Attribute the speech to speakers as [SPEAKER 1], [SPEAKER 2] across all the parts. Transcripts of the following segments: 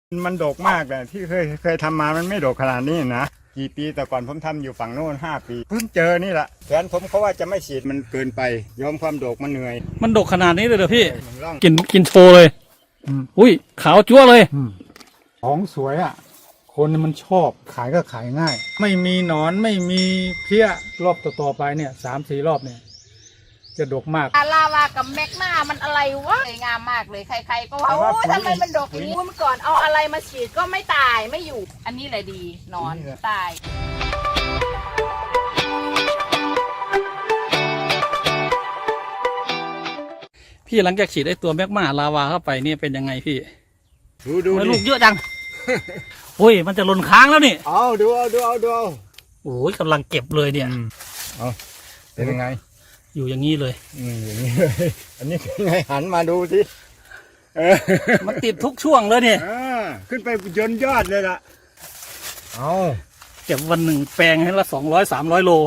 [SPEAKER 1] มันดกมากแต่ที่เคยทำมามันไม่ดกขนาดนี้นะกี่ปีแต่ก่อนผมทำอยู่ฝั่งโน้น5 ปีเพิ่งเจอนี่แหละแฟนผมเขาว่าจะไม่ฉีดมันเกินไปยอมความดกมันเหนื่อย
[SPEAKER 2] มันดกขนาดนี้เลยเหรอพี่
[SPEAKER 1] มันร่อง
[SPEAKER 2] กินโชว์เลยอุ้ยขาวจั๊วเลย
[SPEAKER 3] ของสวยอ่ะ คนมันชอบขายก็ขายง่าย ไม่มีหนอนไม่มีเพี้ยรอบต่อๆไปเนี่ย3-4 รอบเนี่ยจะดกมาก
[SPEAKER 4] ลาวากับแมกนามันอะไรวะสวยงามมากเลยใครๆก็ว่าโอ้ทำไมมันดกอย่างนี้เมื่อก่อนเอาอะไรมาฉีดก็ไม่ตายไม่อยู่ อันนี้เลยดีนอนตาย
[SPEAKER 2] พี่หลังจากฉีดไอ้ตัวแมกมาลาวาเข้าไปเนี่ยเป็นยังไงพี่
[SPEAKER 1] ดู
[SPEAKER 2] ทำไม
[SPEAKER 1] ดิ
[SPEAKER 2] ลูกเยอะจัง โอ้ยมันจะหล่นค้างแล้วนี่
[SPEAKER 1] เอาดู
[SPEAKER 2] โอ้ยกำลังเก็บเลยเนี่ย
[SPEAKER 1] เอาเป็นยังไง
[SPEAKER 2] อยู่อย่างนี้เลย
[SPEAKER 1] อย่างนี้เลยอันนี้เป็นไงหันมาดูสิ
[SPEAKER 2] มันติดทุกช่วงเลยเนี่ย
[SPEAKER 1] ขึ้นไปยนยอดเลยล่ะเอา
[SPEAKER 2] เก็บวันหนึ่งแปลงให้ละ200-300 โล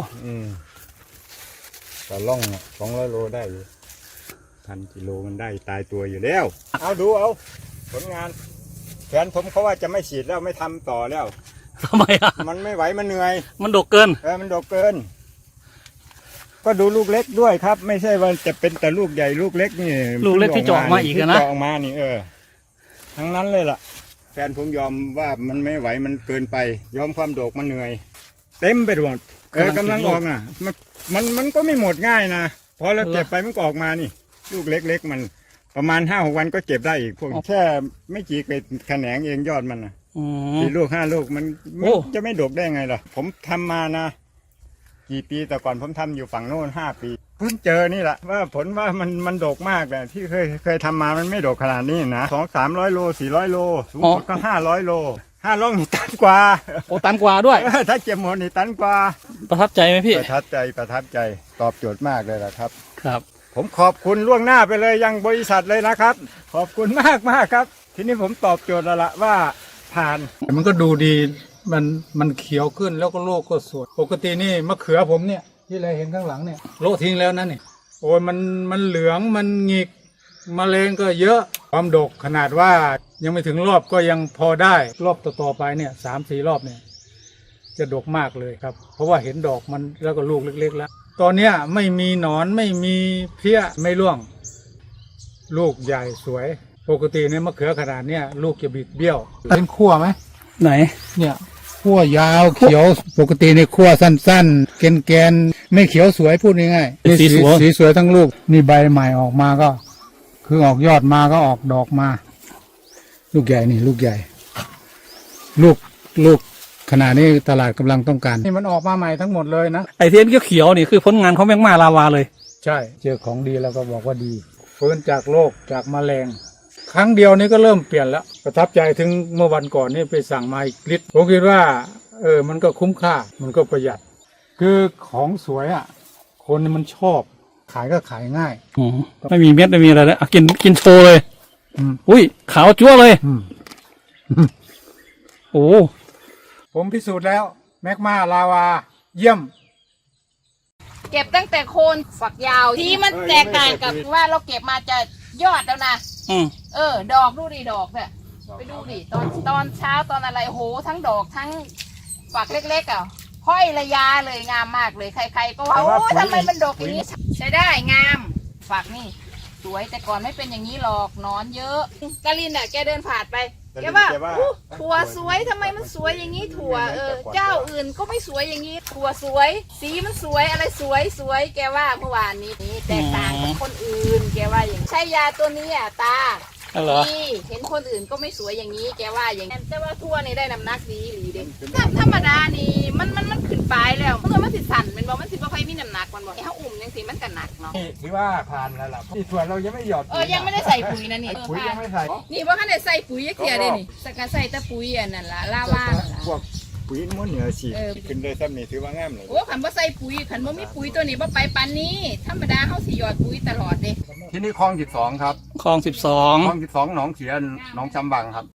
[SPEAKER 1] ต่อล่อง200 โลได้อยู่1,000 กิโลมันได้ตายตัวอยู่แล้วเอาดูเอาผลงานแฟนผมเขาว่าจะไม่ฉีดแล้วไม่ทำต่อแล้ว
[SPEAKER 2] ทำไมอ่ะ
[SPEAKER 1] มันไม่ไหวมันเหนื่อย
[SPEAKER 2] มันดกเกิน
[SPEAKER 1] มันดกเกิน ก็ดูลูกเล็กด้วยครับ ไม่ใช่ว่าจะเป็นแต่ลูกใหญ่ลูกเล็กนี่
[SPEAKER 2] ลูกเล็กที่เจาะมาอีกอะนะ
[SPEAKER 1] ที่เจาะออกมานี่ทั้งนั้นเลยล่ะแฟนผมยอมว่ามันไม่ไหวมันเกินไป ยอมความดกมันเหนื่อย เต็มไปหมดกำลังออกอ่ะมันก็ไม่หมดง่ายนะพอเราเก็บไปมันก็ออกมานี่ ลูกเล็กๆมันประมาณ5-6 วันก็เก็บได้อีกพวกแค่ไม่กี่แขนงเองยอดมันนะ
[SPEAKER 2] อืม
[SPEAKER 1] 4 ลูก 5 ลูกมัน
[SPEAKER 2] โอ้
[SPEAKER 1] จะไม่ดกได้ไงล่ะผมทำมานะกี่ปีแต่ก่อนผมทำอยู่ฝั่งโน้น5 ปีเพิ่งเจอนี่แหละว่าผลว่ามันดกมากแต่ที่เคยทำมามันไม่ดกขนาดนี้นะ200-300 โล400 โลสูงสุดก็500 โล500นี่ตันกว่า
[SPEAKER 2] โอ้ตันกว่าด้วย
[SPEAKER 1] ถ้าเก็บหมดนี่ตันกว่า
[SPEAKER 2] ประทับใจไหมพี่
[SPEAKER 1] ประทับใจตอบโจทย์มากเลยล่ะครับ
[SPEAKER 2] ครับ
[SPEAKER 1] ผมขอบคุณล่วงหน้าไปเลยยังบริษัทเลยนะครับ ขอบคุณมากครับ ทีนี้ผมตอบโจทย์แล้วละว่าผ่าน
[SPEAKER 3] มันก็ดูดีมันเขียวขึ้นแล้วก็โลกก็สวยปกตินี่มะเขือผมเนี่ยที่เราเห็นข้างหลังเนี่ยโละทิ้งแล้วนั่นนี่โอ้ยมันเหลืองมันหงิกมะเร็งก็เยอะความดกขนาดว่ายังไม่ถึงรอบก็ยังพอได้รอบต่อๆไปเนี่ย3-4 รอบเนี่ยจะดกมากเลยครับ เพราะว่าเห็นดอกมันแล้วก็ลูกเล็กๆแล้วตอนเนี้ยไม่มีหนอนไม่มีเพี้ยไม่ร่วง ลูกใหญ่สวยปกติเนี่ยมะเขือขนาดเนี้ยลูกจะบิดเบี้ยวเป็นขั้วไหม
[SPEAKER 2] ไหน
[SPEAKER 3] เนี่ยขั้วยาวเขียวปกติในขั้วสั้นๆแกนๆไม่เขียวสวยพูดง่ายๆนี่สีสวยทั้งลูกนี่ใบใหม่ออกมาก็ คือออกยอดมาก็ออกดอกมา ลูกใหญ่นี่ลูกใหญ่ ลูกขนาดนี้ตลาดกำลังต้องการนี่มันออกมาใหม่ทั้งหมดเลยนะ
[SPEAKER 2] ไอเทียนเขียวๆนี่คือผลงานของแมกมาลาวาเลย
[SPEAKER 3] ใช่เจอของดีแล้วก็บอกว่าดีฟื้นจากโรคจากแมลงครั้งเดียวนี้ก็เริ่มเปลี่ยนแล้วประทับใจถึงเมื่อวันก่อนนี่ไปสั่งมาอีกลิตรผมคิดว่ามันก็คุ้มค่ามันก็ประหยัด คือของสวยอ่ะ คนมันชอบขายก็ขายง่าย
[SPEAKER 2] อ๋อไม่มีเม็ดไม่มีอะไรเลยอ่ะกินโชว์เลย อุ้ยขาวจั๊วเลย โอ้
[SPEAKER 3] ผมพิสูจน์แล้วแมกมาลาวาเยี่ยม
[SPEAKER 4] เก็บตั้งแต่โคนฝักยาวที่มันแตกต่างกับว่าเราเก็บมาจะยอดแล้วนะ
[SPEAKER 2] อืม
[SPEAKER 4] ดอกดูดิดอกเนี่ยไปดูดิตอนเช้าตอนอะไรโหทั้งดอกทั้งฝักเล็กๆอ่ะห้อยระยาเลยงามมากเลยใครๆก็ว่าโอ้ทำไมมันดกอย่างนี้ใช้ได้งามฝักนี่สวยแต่ก่อนไม่เป็นอย่างนี้หรอกหนอนเยอะกาลินอ่ะแกเดินผ่านไปแกว่าอู้ถั่วสวยทำไมมันสวยอย่างนี้ถั่วเจ้าอื่นก็ไม่สวยอย่างนี้ถั่วสวย สีมันสวยอะไรสวยแกว่าเมื่อวานนี้แตกต่างกับคนอื่นแกว่าอย่างใช้ยาตัวนี้อ่ะตา
[SPEAKER 2] อ๋อเหรอ
[SPEAKER 4] นี่เห็นคนอื่นก็ไม่สวยอย่างนี้แกว่าอย่างนั้นแต่ว่าทั่วนี่ได้น้ำหนักดีหรือเด็ธรรมดานี่มันขึ้นปลายแล้วมันสิสั่นเป็นบอกมันสิบ่ค่อยมีน้ำหนักมันบอกถ้าอุ่มยังสิมันก็หนักเนาะ
[SPEAKER 1] นี่ถือว่าผ่านแล้วล่ะที่ส่วนเรายังไม่หยอด
[SPEAKER 4] ยังไม่ได้ใส่ปุ๋ยนะนี่
[SPEAKER 1] ปุ๋ยยังไม่ใส่
[SPEAKER 4] นี่ว่าขั้นได้ใส่ปุ๋ยเกียร์เลยนี่สกัดใส่แต่ปุ๋ยอันนั้นละลาวา
[SPEAKER 1] พวกปุ๋ยม้วนเหนือฉีดขึ้นได้ซ้ำนี่ถือว่างามเลย
[SPEAKER 4] โอ้ขันบ่ใส่ปุ๋ยขันบ่มีปุ๋ยตัวนี้บ่ไปปานนี้ธรรมดาเฮาสิหยอดปุ๋ยตลอดเด้
[SPEAKER 1] ที่นี่คลอง12ครับ
[SPEAKER 2] คลอง
[SPEAKER 1] คลอง12หนองเขียนหนองจำบังครับ